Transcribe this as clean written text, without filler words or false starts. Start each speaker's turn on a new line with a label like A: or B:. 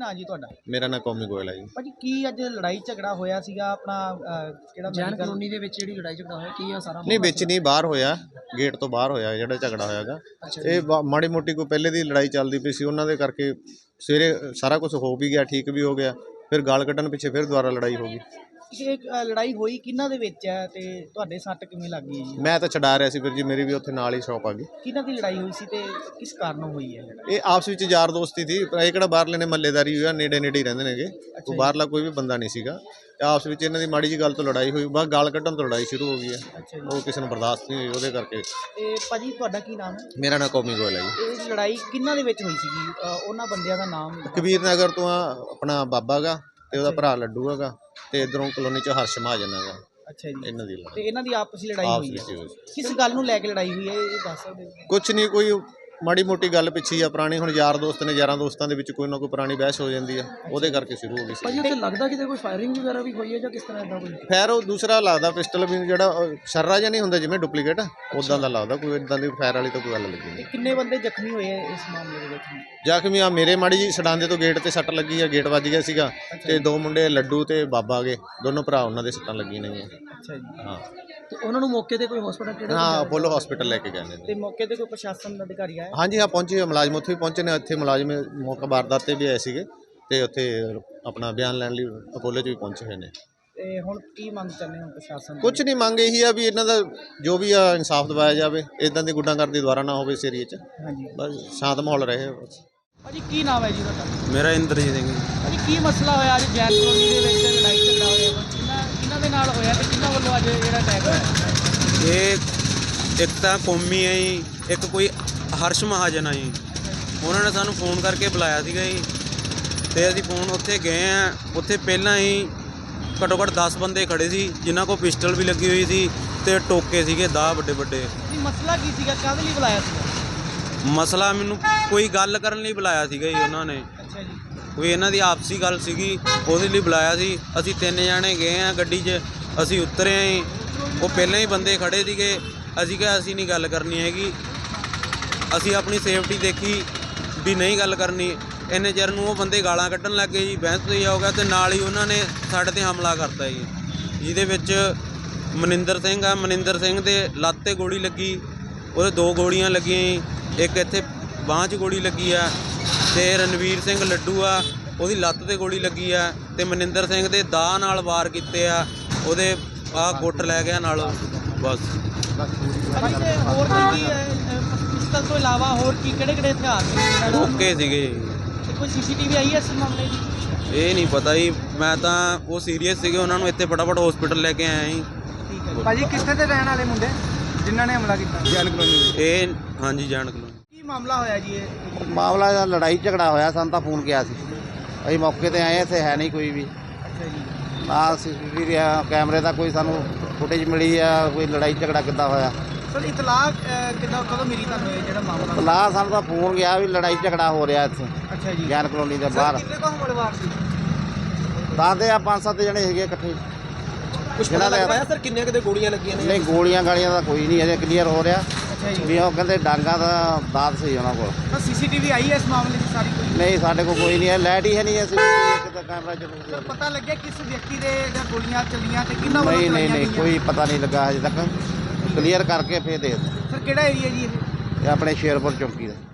A: ਨਾਂ ਜੀ ਤੁਹਾਡਾ?
B: ਮੇਰਾ ਨਾਂ ਕੌਮੀ ਗੋਇਲ ਹੈ ਜੀ।
A: ਭਾਜੀ ਕੀ ਅੱਜ ਲੜਾਈ ਝਗੜਾ ਹੋਇਆ ਸੀਗਾ ਆਪਣਾ ਜਿਹੜਾ
C: ਜੈਨ ਕਲੋਨੀ ਦੇ ਵਿੱਚ ਜਿਹੜੀ ਲੜਾਈ ਝਗੜਾ ਹੋਇਆ ਕੀ ਆ ਸਾਰਾ?
B: ਨਹੀਂ ਵਿੱਚ ਨਹੀਂ, ਬਾਹਰ ਹੋਇਆ, ਗੇਟ ਤੋਂ ਬਾਹਰ ਹੋਇਆ ਜਿਹੜਾ ਝਗੜਾ ਹੋਇਆਗਾ। ਇਹ ਮਾੜੀ ਮੋਟੀ ਕੋਈ ਪਹਿਲੇ ਦੀ ਲੜਾਈ ਚੱਲਦੀ ਪਈ ਸੀ, ਉਹਨਾਂ ਦੇ ਕਰਕੇ ਸਵੇਰੇ ਸਾਰਾ ਕੁਝ ਹੋ ਵੀ ਗਿਆ, ਠੀਕ ਵੀ ਹੋ ਗਿਆ, ਫਿਰ ਗਾਲ ਕੱਢਣ ਪਿੱਛੇ ਫਿਰ ਦੁਬਾਰਾ ਲੜਾਈ ਹੋ ਗਈ।
A: ਇਹ ਲੜਾਈ ਹੋਈ ਕਿਹਨਾਂ ਦੇ ਵਿੱਚ ਹੈ ਤੇ ਤੁਹਾਡੇ ਸੱਟ ਕਿਵੇਂ ਲੱਗ ਗਈ ਜੀ?
B: ਮੈਂ ਤਾਂ ਛਡਾ ਰਿਹਾ ਸੀ ਵੀਰ ਜੀ, ਮੇਰੀ ਵੀ ਉੱਥੇ ਨਾਲ ਹੀ ਸ਼ੌਪ ਆ ਗਈ।
A: ਕਿਹਨਾਂ ਦੀ ਲੜਾਈ ਹੋਈ ਸੀ ਤੇ ਕਿਸ ਕਾਰਨ ਹੋਈ ਹੈ?
B: ਇਹ ਆਪਸ ਵਿੱਚ ਯਾਰ ਦੋਸਤੀ ਸੀ, ਇਹ ਕਿਹੜਾ ਬਾਹਰਲੇ ਨੇ ਮਹੱਲੇਦਾਰੀ ਹੋਇਆ, ਨੇੜੇ ਨੇੜੇ ਹੀ ਰਹਿੰਦੇ ਨੇਗੇ, ਕੋਈ ਬਾਹਰਲਾ ਕੋਈ ਵੀ ਬੰਦਾ ਨਹੀਂ ਸੀਗਾ। ਆਪਸ ਵਿੱਚ ਇਹਨਾਂ ਦੀ ਮਾੜੀ ਜੀ ਗੱਲ ਤੋਂ ਲੜਾਈ ਹੋਈ, ਬਸ ਗਾਲ ਕੱਢਣ ਤੋਂ ਲੜਾਈ ਸ਼ੁਰੂ ਹੋ ਗਈ ਹੈ। ਉਹ ਕਿਸੇ ਨੂੰ ਬਰਦਾਸ਼ਤ ਨਹੀਂ ਹੋਈ, ਉਹਦੇ ਕਰਕੇ।
A: ਤੇ ਭਾਜੀ ਤੁਹਾਡਾ ਕੀ ਨਾਮ ਹੈ?
B: ਮੇਰਾ ਨਾਂ ਕੌਮੀ ਗੋਇਲ ਹੈ ਜੀ।
A: ਇਹ ਲੜਾਈ ਕਿਹਨਾਂ ਦੇ ਵਿੱਚ ਹੋਈ ਸੀਗੀ? ਉਹਨਾਂ ਬੰਦਿਆਂ ਦਾ ਨਾਮ?
B: ਕਬੀਰ ਨਗਰ ਤੋਂ ਆਪਣਾ ਬਾਬਾ ਗਾ ਤੇ ਉਹਦਾ ਭਰਾ ਲੱਡੂ ਹੈਗਾ, ਤੇ ਇਧਰੋਂ ਕਲੋਨੀ ਚ ਹਰਸ਼ ਮਹਾਜਨ ਹੈਗਾ।
A: ਅੱਛਾ ਜੀ।
B: ਇਹਨਾਂ ਦੀ
A: ਤੇ ਇਹਨਾਂ ਦੀ ਆਪਸੀ ਲੜਾਈ ਹੋਈ ਹੈ? ਕਿਸ ਗੱਲ ਨੂੰ ਲੈ ਕੇ ਲੜਾਈ ਹੋਈ ਹੈ ਇਹ ਦੱਸ ਸਕਦੇ ਹੋ?
B: ਕੁਛ ਨਹੀਂ, ਕੋਈ ਮਾੜੀ ਮੋਟੀ ਗੱਲ ਪਿੱਛੇ ਆ ਪੁਰਾਣੀ। ਹੁਣ ਯਾਰ ਦੋਸਤ ਨੇ, ਯਾਰਾਂ ਦੋਸਤਾਂ ਦੇ ਵਿੱਚ ਕੋਈ ਨਾ ਕੋਈ ਪੁਰਾਣੀ ਬਹਿਸ ਹੋ ਜਾਂਦੀ ਹੈ, ਉਹਦੇ ਕਰਕੇ ਸ਼ੁਰੂ ਹੋ ਗਈ ਸੀ।
C: ਭਾਜੀ ਉੱਥੇ ਲੱਗਦਾ ਕਿਤੇ ਕੋਈ ਫਾਇਰਿੰਗ ਵਗੈਰਾ ਵੀ ਹੋਈ ਹੈ ਜਾਂ ਕਿਸ ਤਰ੍ਹਾਂ ਇਦਾਂ ਕੋਈ?
B: ਫਾਇਰ ਉਹ ਦੂਸਰਾ ਲੱਗਦਾ ਪਿਸਟਲ ਵੀ, ਜਿਹੜਾ ਸ਼ਰਰਾ ਜਿਹਾ ਨਹੀਂ ਹੁੰਦਾ ਜਿਵੇਂ ਡੁਪਲੀਕੇਟ, ਉਦਾਂ ਦਾ ਲੱਗਦਾ। ਕੋਈ ਇਦਾਂ ਦੀ ਫਾਇਰ ਵਾਲੀ ਤਾਂ ਕੋਈ ਗੱਲ ਲੱਗੀ ਨਹੀਂ।
A: ਕਿੰਨੇ ਬੰਦੇ ਜ਼ਖਮੀ ਹੋਏ ਇਸ ਮਾਮਲੇ ਦੇ ਵਿੱਚ?
B: ਜ਼ਖਮੀ ਆ ਮੇਰੇ ਮਾੜੀ ਜੀ ਸਡਾਂਦੇ ਤੋਂ ਗੇਟ ਤੇ ਸੱਟ ਲੱਗੀ ਆ, ਗੇਟ ਵੱਜ ਗਿਆ ਸੀਗਾ, ਤੇ ਦੋ ਮੁੰਡੇ ਲੱਡੂ ਤੇ ਬਾਬਾ ਗਏ, ਦੋਨੋਂ ਭਰਾ, ਉਹਨਾਂ ਦੇ ਸੱਟਾਂ ਲੱਗੀਆਂ ਨੇ।
A: ਅੱਛਾ ਜੀ।
B: ਹਾਂ,
C: ਤੇ ਉਹਨਾਂ ਨੂੰ ਮੌਕੇ ਤੇ ਕੋਈ ਹਸਪੀਟਲ ਕਿਹੜੇ?
B: ਹਾਂ, ਅਪੋਲੋ ਹਸਪੀਟਲ ਲੈ ਕੇ ਗਏ ਨੇ।
A: ਤੇ ਮੌਕੇ ਤੇ ਕੋਈ ਪ੍ਰਸ਼ਾਸਨ ਦਾ ਅਧਿਕਾਰੀ ਆਇਆ?
B: ਹਾਂਜੀ ਹਾਂ, ਪਹੁੰਚੇ, ਮੁਲਾਜ਼ਮ ਉੱਥੇ ਵੀ ਪਹੁੰਚੇ ਨੇ। ਇੱਥੇ ਮੁਲਾਜ਼ਮ ਮੌਕਾ ਵਾਰਦਾਤ ਤੇ ਵੀ ਆਏ ਸੀਗੇ, ਤੇ ਉੱਥੇ ਆਪਣਾ ਬਿਆਨ ਲੈਣ ਲਈ ਅਪੋਲੋ 'ਚ ਵੀ ਪਹੁੰਚੇ ਹੋਏ ਨੇ।
A: ਤੇ ਹੁਣ ਕੀ ਮੰਗ ਕਰਦੇ ਹੋ ਪ੍ਰਸ਼ਾਸਨ?
B: ਕੁਝ ਨਹੀਂ, ਮੰਗ ਇਹੀ ਆ ਵੀ ਇਹਨਾਂ ਦਾ ਜੋ ਵੀ ਆ ਇਨਸਾਫ ਦਿਵਾਇਆ ਜਾਵੇ, ਇਦਾਂ ਦੀ ਗੁੰਡਾਗਰਦੀ ਦੁਬਾਰਾ ਨਾ ਹੋਵੇ ਇਸ ਏਰੀਏ 'ਚ।
A: ਹਾਂਜੀ,
B: ਬਸ ਸ਼ਾਂਤ ਮਾਹੌਲ ਰਹੇ।
A: ਭਾਜੀ ਕੀ ਨਾਮ ਹੈ ਜੀ ਤੁਹਾਡਾ?
D: ਮੇਰਾ ਇੰਦਰਜੀਤ ਸਿੰਘ।
A: ਭਾਜੀ ਕੀ ਮਸਲਾ ਹੋਇਆ ਅੱਜ ਜੈਨ ਕਲੋਨੀ ਦੇ ਵਿੱਚ ਲੜਾਈ ਝਗੜਾ ਹੋਇਆ? ਕਿਹਨਾਂ ਦੇ ਨਾਲ ਹੋਇਆ ਤੇ ਕਿਹਨਾਂ ਵੱਲੋਂ ਅੱਜ ਜਿਹੜਾ ਅਟੈਕ ਹੋਇਆ?
D: ਇਹ ਇੱਕ ਤਾਂ ਕੌਮੀ ਹੈ ਜੀ, ਇੱਕ ਕੋਈ ਹਰਸ਼ ਮਹਾਜਨ ਆ ਜੀ। ਉਹਨਾਂ ਨੇ ਸਾਨੂੰ ਫੋਨ ਕਰਕੇ ਬੁਲਾਇਆ ਸੀਗਾ ਜੀ, ਤੇ ਅਸੀਂ ਫੋਨ ਉੱਥੇ ਗਏ ਆ। ਉੱਥੇ ਪਹਿਲਾਂ ਹੀ ਘੱਟੋ ਘੱਟ 10 ਬੰਦੇ ਖੜੇ ਸੀ, ਜਿਨ੍ਹਾਂ ਕੋਲ ਪਿਸਟਲ ਵੀ ਲੱਗੀ ਹੋਈ ਸੀ ਤੇ ਟੋਕੇ ਸੀਗੇ 10 ਵੱਡੇ ਵੱਡੇ।
A: ਮਸਲਾ ਕੀ ਸੀਗਾ? ਕਾਹਦੇ ਲਈ ਬੁਲਾਇਆ ਸੀਗਾ?
D: ਮਸਲਾ ਮੈਨੂੰ ਕੋਈ ਗੱਲ ਕਰਨ ਲਈ ਬੁਲਾਇਆ ਸੀਗਾ ਜੀ ਉਹਨਾਂ ਨੇ।
A: ਅੱਛਾ ਜੀ।
D: ਕੋਈ ਇਹਨਾਂ ਦੀ ਆਪਸੀ ਗੱਲ ਸੀਗੀ, ਉਹਦੇ ਲਈ ਬੁਲਾਇਆ ਸੀ। ਅਸੀਂ 3 ਜਣੇ ਗਏ ਆ ਗੱਡੀ 'ਚ, ਅਸੀਂ ਉਤਰੇ ਆ ਜੀ। ਉਹ ਪਹਿਲਾਂ ਹੀ ਬੰਦੇ ਖੜੇ ਸੀਗੇ। ਅਸੀਂ ਕਿਹਾ ਅਸੀਂ ਨਹੀਂ ਗੱਲ ਕਰਨੀ ਹੈਗੀ, ਅਸੀਂ ਆਪਣੀ ਸੇਫਟੀ ਦੇਖੀ ਵੀ ਨਹੀਂ ਗੱਲ ਕਰਨੀ। ਇੰਨੇ ਚਿਰ ਨੂੰ ਉਹ ਬੰਦੇ ਗਾਲਾਂ ਕੱਢਣ ਲੱਗ ਗਏ ਜੀ, ਬਹਿਸ ਤੇ ਹੋ ਗਿਆ, ਤੇ ਨਾਲ ਹੀ ਉਹਨਾਂ ਨੇ ਸਾਡੇ ਤੇ ਹਮਲਾ ਕਰਤਾ ਜੀ। ਜਿਹਦੇ ਵਿੱਚ ਮਨਿੰਦਰ ਸਿੰਘ ਆ, ਮਨਿੰਦਰ ਸਿੰਘ ਦੇ ਲੱਤ 'ਤੇ ਗੋਲੀ ਲੱਗੀ, ਉਹਦੇ 2 ਗੋਲੀਆਂ ਲੱਗੀਆਂ ਜੀ, ਇੱਕ ਇੱਥੇ ਬਾਂਹ 'ਚ ਗੋਲੀ ਲੱਗੀ ਆ। ਤੇ ਰਣਵੀਰ ਸਿੰਘ ਲੱਡੂ ਆ, ਉਹਦੀ ਲੱਤ 'ਤੇ ਗੋਲੀ ਲੱਗੀ ਆ, ਤੇ ਮਨਿੰਦਰ ਸਿੰਘ ਦੇ ਦਾਅ ਨਾਲ ਵਾਰ ਕੀਤੇ ਆ, ਉਹਦੇ ਆਹ ਗੁੱਟ ਲੈ ਗਿਆ ਨਾਲ। ਬਸ
A: ਹੋਰ ਕੀ ਪਿਸਤਲ ਤੋਂ ਇਲਾਵਾ ਹੋਰ ਕੀ ਕਿਹੜੇ ਕਿਹੜੇ ਹਥਿਆਰ ਸੀ?
D: ਓਕੇ ਸੀਗੇ।
A: ਕੋਈ ਸੀਸੀਟੀਵੀ ਆਈ ਹੈ ਇਸ ਮਾਮਲੇ ਦੀ?
D: ਇਹ ਨਹੀਂ ਪਤਾ ਜੀ, ਮੈਂ ਤਾਂ ਉਹ ਸੀਰੀਅਸ ਸੀਗੇ, ਉਹਨਾਂ ਨੂੰ ਇੱਥੇ ਫਟਾਫਟ ਹਸਪੀਟਲ ਲੈ ਕੇ ਆਇਆ ਜੀ।
A: ਠੀਕ ਹੈ
C: ਭਾਜੀ ਕਿੱਥੇ ਦੇ ਰਹਿਣ ਵਾਲੇ ਮੁੰਡੇ ਜਿਨ੍ਹਾਂ ਨੇ ਹਮਲਾ ਕੀਤਾ?
B: ਜੈਨ ਕਲੋਨੀ।
D: ਇਹ ਹਾਂਜੀ ਜਾਣ ਕਲੋਨੀ।
A: ਕੀ ਮਾਮਲਾ ਹੋਇਆ ਜੀ ਇਹ?
E: ਮਾਮਲਾ ਦਾ ਲੜਾਈ ਝਗੜਾ ਹੋਇਆ, ਸਾਨੂੰ ਤਾਂ ਫੋਨ ਗਿਆ ਸੀ, ਅਸੀਂ ਮੌਕੇ ਤੇ ਆਏ, ਇੱਥੇ ਹੈ ਨਹੀਂ ਕੋਈ ਵੀ।
A: ਅੱਛਾ ਜੀ।
E: ਨਾ ਸੀਸੀਟੀਵੀ ਕੈਮਰੇ ਦਾ ਕੋਈ ਸਾਨੂੰ ਫੁਟੇਜ ਮਿਲੀ ਆ, ਕੋਈ ਲੜਾਈ ਝਗੜਾ ਕਿੱਦਾਂ ਹੋਇਆ।
A: ਸਰ ਇਤਲਾਹ ਕਦੋਂ ਮਿਲੀ ਤੁਹਾਨੂੰ ਇਹ ਜਿਹੜਾ ਮਾਮਲਾ?
E: ਲਾ ਸਾਨੂੰ ਤਾਂ ਫੋਨ ਗਿਆ ਵੀ ਲੜਾਈ ਝਗੜਾ ਹੋ ਰਿਹਾ ਇੱਥੇ
A: ਅੱਛਾ ਜੀ।
E: ਜੈਨ ਕਲੋਨੀ ਦੇ ਬਾਹਰ।
A: ਕਿੰਨੇ ਕੋ ਹਮਲਾਵਰ ਸੀ?
E: ਦੱਸਦੇ ਆ 5-7 ਜਣੇ ਹੈਗੇ ਇਕੱਠੇ।
A: ਕੁਝ ਪਤਾ ਲੱਗ ਪਾਇਆ ਸਰ ਕਿੰਨੇ ਕਿਤੇ ਗੋਲੀਆਂ ਲੱਗੀਆਂ ਨੇ?
E: ਨਹੀਂ, ਗੋਲੀਆਂ ਗਾਲੀਆਂ ਦਾ ਕੋਈ ਨਹੀਂ ਅਜੇ ਕਲੀਅਰ ਹੋ ਰਿਹਾ।
A: ਅੱਛਾ ਜੀ।
E: ਵੀ ਉਹ ਕਹਿੰਦੇ ਡਾਂਗਾ ਦਾ ਦਾਤ ਸੀ ਉਹਨਾਂ ਕੋਲ।
A: ਤਾਂ ਸੀਸੀਟੀਵੀ ਆਈ ਹੈ ਇਸ ਮਾਮਲੇ ਦੀ ਸਾਰੀ ਕੋਈ?
E: ਨਹੀਂ, ਸਾਡੇ ਕੋਲ ਕੋਈ ਨਹੀਂ ਹੈ, ਲਾਈਟ ਹੀ ਹੈ ਨਹੀਂ, ਅਸੀਂ ਕਿਤੇ ਕੈਮਰਾ ਚੱਲੂ।
A: ਸਰ ਪਤਾ ਲੱਗਿਆ ਕਿਸ ਵਿਅਕਤੀ ਦੇ ਜਾਂ ਗੋਲੀਆਂ ਚੱਲੀਆਂ ਤੇ ਕਿੰਨਾ ਵੱਲੋਂ
E: ਨਹੀਂ
A: ਚਲਾਈਆਂ
E: ਨਹੀਂ ਨਹੀਂ,
A: ਗਈਆਂ?
E: ਕੋਈ ਪਤਾ ਨਹੀਂ ਲੱਗਾ ਹਜੇ ਤੱਕ। ਕਲੀਅਰ ਕਰਕੇ ਫੇਰ ਦੇ
A: ਸਰ ਕਿਹੜਾ ਏਰੀਆ ਜੀ ਇਹ?
E: ਇਹ ਆਪਣੇ ਸ਼ੇਰਪੁਰ ਚੌਂਕੀ ਦਾ।